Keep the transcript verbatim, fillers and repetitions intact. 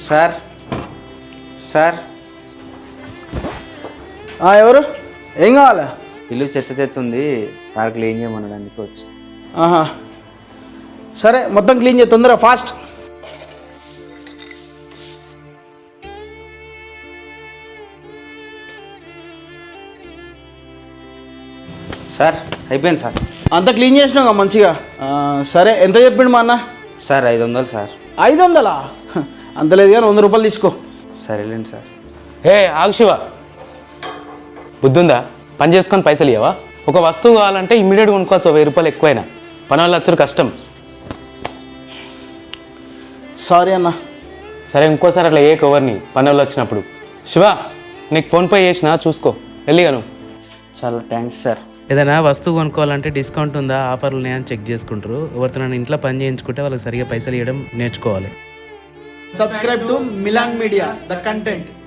Sir sir ఎవరు? ఏం కావాలా? ఇల్లు చెత్త చెత్త ఉంది, సార్ క్లీన్ చేయమనడానికి వచ్చి. ఆహా, సరే మొత్తం క్లీన్ చేయి తొందరగా, ఫాస్ట్. సార్ అయిపోయింది సార్. అంతా క్లీన్ చేసినావు మంచిగా. ఆ, సరే ఎంత చెప్పిండు మా అన్న? సార్ ఐదు వందలు సార్. ఐదు వందలా? అంత లేదు కానీ వంద రూపాయలు తీసుకో. సరేలేండి సార్. హే ఆగు శివ, బుద్ధుందా? పని చేసుకొని పైసలు ఇవ్వవా? ఒక వస్తువు కావాలంటే ఇమ్మీడియట్గా కొనుక్కోవచ్చు, వెయ్యి రూపాయలు ఎక్కువైనా. పని వాళ్ళు వచ్చారు కష్టం. సారీ అన్న. సరే ఇంకోసారి అట్లా ఏ కవర్ని పని వాళ్ళు వచ్చినప్పుడు. శివ నీకు ఫోన్పే చేసినా చూసుకో, వెళ్ళిగాను. చాలా థ్యాంక్స్ సార్. ఏదైనా వస్తువు కొనుక్కోవాలంటే డిస్కౌంట్ ఉందా, ఆఫర్లు ఉన్నాయని చెక్ చేసుకుంటారు. ఎవరితో నన్ను ఇంట్లో పని చేయించుకుంటే వాళ్ళకి సరిగా పైసలు ఇవ్వడం నేర్చుకోవాలి. Subscribe to Milan Media the content.